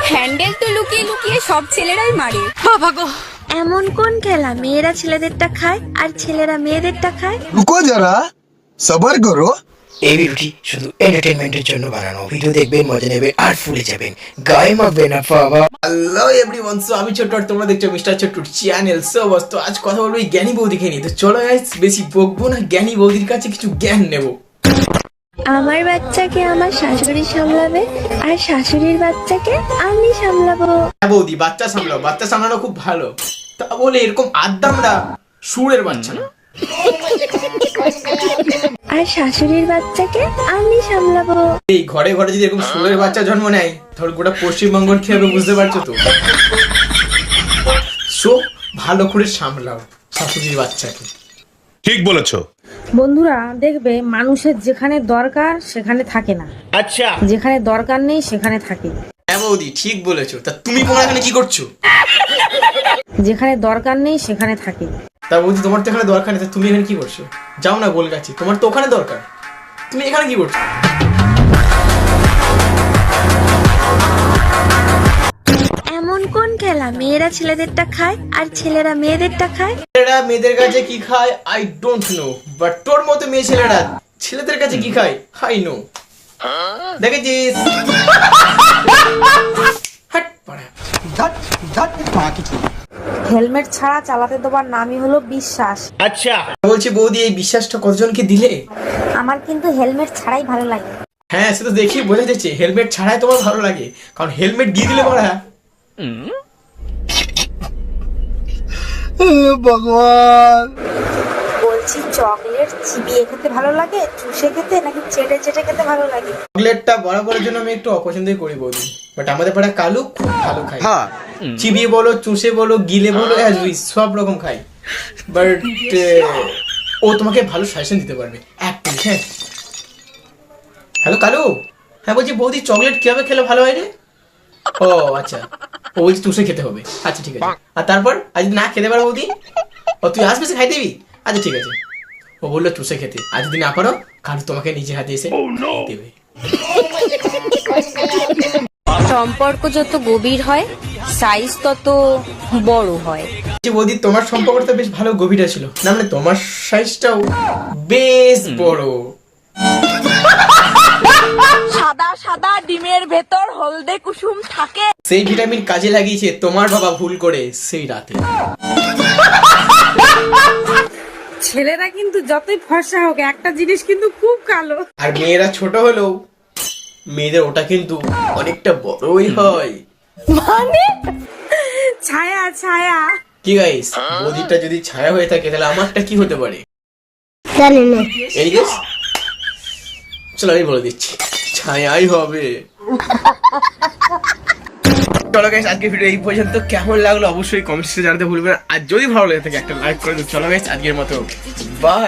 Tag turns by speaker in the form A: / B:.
A: Handle তো লুকিয়ে লুকিয়ে সব ছেলেরাই মারে।
B: বাবা গো,
C: এমন কোন খেলা মেয়েরা ছেলেদেরটা খায় আর ছেলেরা মেয়েদেরটা খায়?
D: रुको जरा सबर करो।
E: এই ভিডিওটি শুধু এন্টারটেইনমেন্টের জন্য বানানো। ভিডিও দেখবেন, মজা নেবেন আর ফুলে যাবেন, গায়ে মাখবে না বাবা। হ্যালো এভরিওয়ান, সো আমি ছোট্ট আর তোমরা দেখছো মিস্টার ছোট্টুর চ্যানেল। সো বস, তো আজ কথা বলবো এই জ্ঞানী বৌদিকে নিয়ে। তো চলো গাইস, বেশি বকবো না, জ্ঞানী বৌদির কাছে কিছু জ্ঞান নেবো।
C: আমার বাচ্চাকে আমার শাশুড়ি সামলাবে আর শাশুড়ির বাচ্চাকে আমি সামলাবো।
E: হ্যাঁ বৌদি, বাচ্চা সামলাও, বাচ্চা সামলানো খুব ভালো। তা বলে এরকম আদ্দামরা সুরের বাচ্চা না।
C: আর শাশুড়ির বাচ্চাকে আমি সামলাবো।
E: এই ঘরে ঘরে যদি এরকম সুরের বাচ্চা জন্ম নেয়, তাহলে গোটা পশ্চিমবঙ্গ কি হবে বুঝতে পারছো তো। সো ভালো করে সামলাও শাশুড়ির বাচ্চাকে।
F: ঠিক বলেছো।
G: বন্ধুরা, দেখবে মানুষের যেখানে দরকার সেখানে থাকে না,
F: আচ্ছা,
G: যেখানে দরকার নেই সেখানে থাকে।
E: হ্যাঁ বৌদি, ঠিক বলেছো। তা তুমি তোমার এখানে কি করছো?
G: যেখানে দরকার নেই সেখানে থাকে।
E: তা বৌদি, তোমার তো এখানে দরকার নেই, তা তুমি এখানে কি করছো? যাও না গোল গাছি, তোমার তো ওখানে দরকার, তুমি এখানে কি করছো?
C: এমন কোন খেলা মেয়েরা ছেলেদেরটা খায় আর ছেলেরা মেয়েদেরটা খায়?
E: ছেলেরা মেয়েদের কাছে কি খায় আই ডোন্ট নো, বাট তোর মতো মেয়ে ছেলেরা ছেলেদের কাছে কি খায় আই নো। দেখেছিস? হাট পাড়া।
G: হেলমেট ছাড়া চালাতে দেওয়ার নামই হলো বিশ্বাস।
F: আচ্ছা,
E: বলছি বৌদি, এই বিশ্বাসটা কতজনকে দিলে?
G: আমার কিন্তু হেলমেট ছাড়াই ভালো লাগে।
E: হ্যাঁ, সে তো দেখি বোঝা যাচ্ছে হেলমেট ছাড়াই তোমার ভালো লাগে, কারণ হেলমেট দিয়ে দিলে পড়া।
D: भगवान
G: বলছি, চকলেট চিবিয়ে খেতে ভালো লাগে, চুষে খেতে, নাকি চেটে চেটে খেতে ভালো লাগে?
E: চকলেটটা বড় করার জন্য আমি একটু অপছন্দই করি বৌদি, বাট আমাদের পাড়া কালু খুব ভালো খায়। চিবিয়ে বলো, চুষে বলো, গিলে বলো, সব রকম খাই। বাট ও তোমাকে ভালো সাজেশন দিতে পারবে। এক মিনিট, হ্যাঁ। হ্যালো কালু, হ্যাঁ বলছি বৌদি, চকলেট কিভাবে খেলে ভালো হয় রে? ও আচ্ছা, ও বলছি চুষে খেতে হবে। আচ্ছা ঠিক আছে। আর তারপর আজ না খেতে পারো বৌদি? ও তুই আসবে সে খাই দিবি? আচ্ছা ঠিক আছে। ও বললো চুষে খেতে, আর যদি না পারো কালু তোমাকে নিজে হাতে এসে দেবে।
A: সম্পর্ক যত গভীর হয় সাইজ তত বড় হয়।
E: বৌদি, তোমার সম্পর্কটা বেশ ভালো গভীর ছিল না, মানে তোমার সাইজটাও বেশ বড়।
B: সাদা সাদা ডিমের ভেতর হলদে কুসুম থাকে।
E: সেই ভিটামিন কাজে লাগিয়েছে তোমার বাবা ভুল করে সেই রাতে।
G: ছেলেরা কিন্তু যতই ফর্সা হোক, একটা জিনিস কিন্তু খুব কালো।
E: আর মেয়েরা ছোট হলেও মেয়েদের ওটা কিন্তু অনেকটা বড়ই হয়।
G: মানে ছায়া ছায়া।
E: কি গাইস, বৌদিটা যদি ছায়া হয়ে থাকে তাহলে আমারটা কি হতে পারে? এই গেস, চলো আমি বলে দিচ্ছি, ছায়াই হবে। চলো গাইস, আজকে ভিডিও এই পর্যন্ত। কেমন লাগলো অবশ্যই কমেন্টসে জানাতে ভুলবেন, আর যদি ভালো লাগে থাকে একটা লাইক করে দিন। চলো গাইস, আজকের মতো বাই।